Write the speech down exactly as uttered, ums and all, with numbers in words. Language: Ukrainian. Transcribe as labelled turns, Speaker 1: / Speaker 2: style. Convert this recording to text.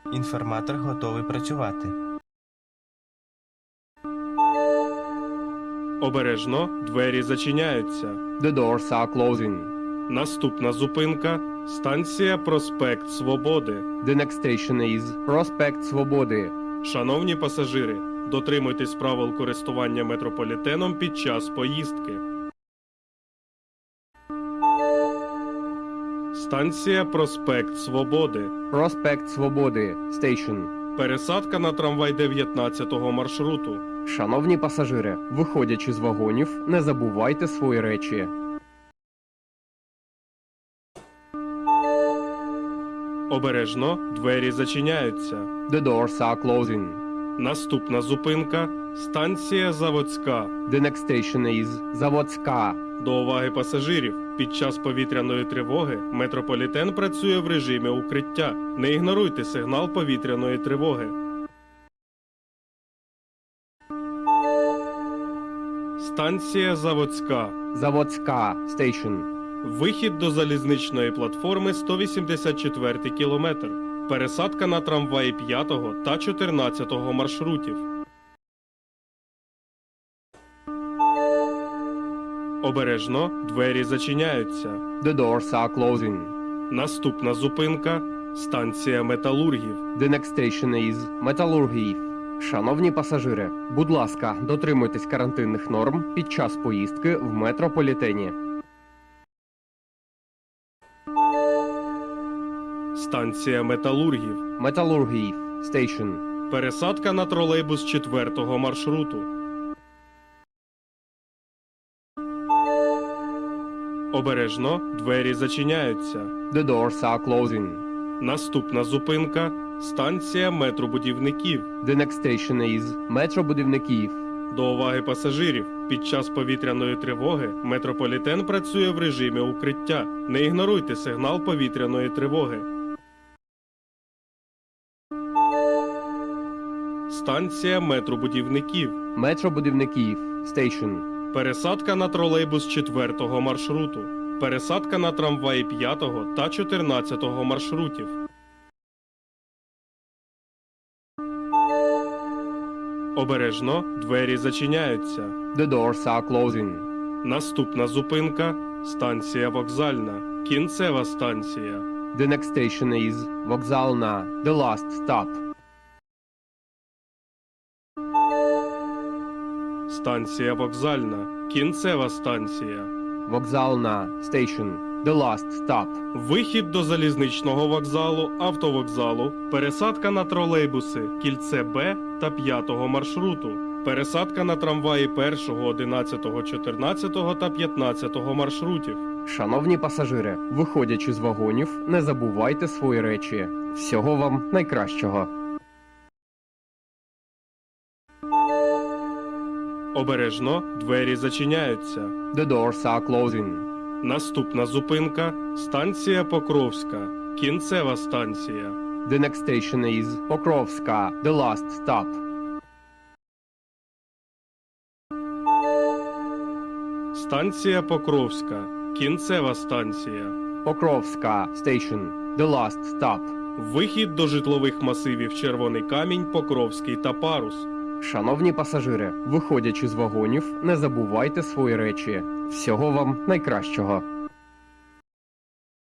Speaker 1: Інформатор готовий працювати.
Speaker 2: Обережно, двері зачиняються.
Speaker 3: The doors are closing.
Speaker 2: Наступна зупинка – станція Проспект Свободи.
Speaker 3: The next station is Проспект Свободи.
Speaker 2: Шановні пасажири, дотримуйтесь правил користування метрополітеном під час поїздки. Станція Проспект Свободи.
Speaker 3: Проспект Свободи. Station.
Speaker 2: Пересадка на трамвай дев'ятнадцятого маршруту.
Speaker 3: Шановні пасажири, виходячи з вагонів, не забувайте свої речі.
Speaker 2: Обережно, двері зачиняються.
Speaker 3: The doors are closing.
Speaker 2: Наступна зупинка – станція Заводська.
Speaker 3: The next station is Заводська.
Speaker 2: До уваги пасажирів. Під час повітряної тривоги метрополітен працює в режимі укриття. Не ігноруйте сигнал повітряної тривоги. Станція Заводська.
Speaker 3: Заводська. Station.
Speaker 2: Вихід до залізничної платформи сто вісімдесят четвертий кілометр. Пересадка на трамваї п'ятого та чотирнадцятого маршрутів. Обережно, двері зачиняються.
Speaker 3: The doors are closing.
Speaker 2: Наступна зупинка – станція Металургів.
Speaker 3: The next station is Металургів. Шановні пасажири, будь ласка, дотримуйтесь карантинних норм під час поїздки в метрополітені.
Speaker 2: Станція Металургів.
Speaker 3: Металургів. Station.
Speaker 2: Пересадка на тролейбус четвертого маршруту. Обережно, двері зачиняються.
Speaker 3: The doors are closing.
Speaker 2: Наступна зупинка – станція метробудівників.
Speaker 3: The next station is Метробудівників.
Speaker 2: До уваги пасажирів. Під час повітряної тривоги метрополітен працює в режимі укриття. Не ігноруйте сигнал повітряної тривоги. Станція метробудівників.
Speaker 3: Метробудівників. Station.
Speaker 2: Пересадка на тролейбус четвертого маршруту. Пересадка на трамваї п'ятого та чотирнадцятого маршрутів. Обережно, двері зачиняються.
Speaker 3: The doors are closing.
Speaker 2: Наступна зупинка – станція Вокзальна. Кінцева станція.
Speaker 3: The next station is Вокзальна. The last stop.
Speaker 2: Станція Вокзальна. Кінцева станція.
Speaker 3: Вокзальна. Station. The last stop.
Speaker 2: Вихід до залізничного вокзалу, автовокзалу, пересадка на тролейбуси, кільце Б та п'ятого маршруту, пересадка на трамваї першого, одинадцятого, чотирнадцятого та п'ятнадцятого маршрутів.
Speaker 3: Шановні пасажири, виходячи з вагонів, не забувайте свої речі. Всього вам найкращого.
Speaker 2: Обережно, двері зачиняються.
Speaker 3: The doors are closing.
Speaker 2: Наступна зупинка – станція Покровська. Кінцева станція.
Speaker 3: The next station is Покровська. The last stop.
Speaker 2: Станція Покровська. Кінцева станція.
Speaker 3: Покровська. Station. The last stop.
Speaker 2: Вихід до житлових масивів Червоний Камінь, Покровський та Парус.
Speaker 3: Шановні пасажири, виходячи з вагонів, не забувайте свої речі. Всього вам найкращого.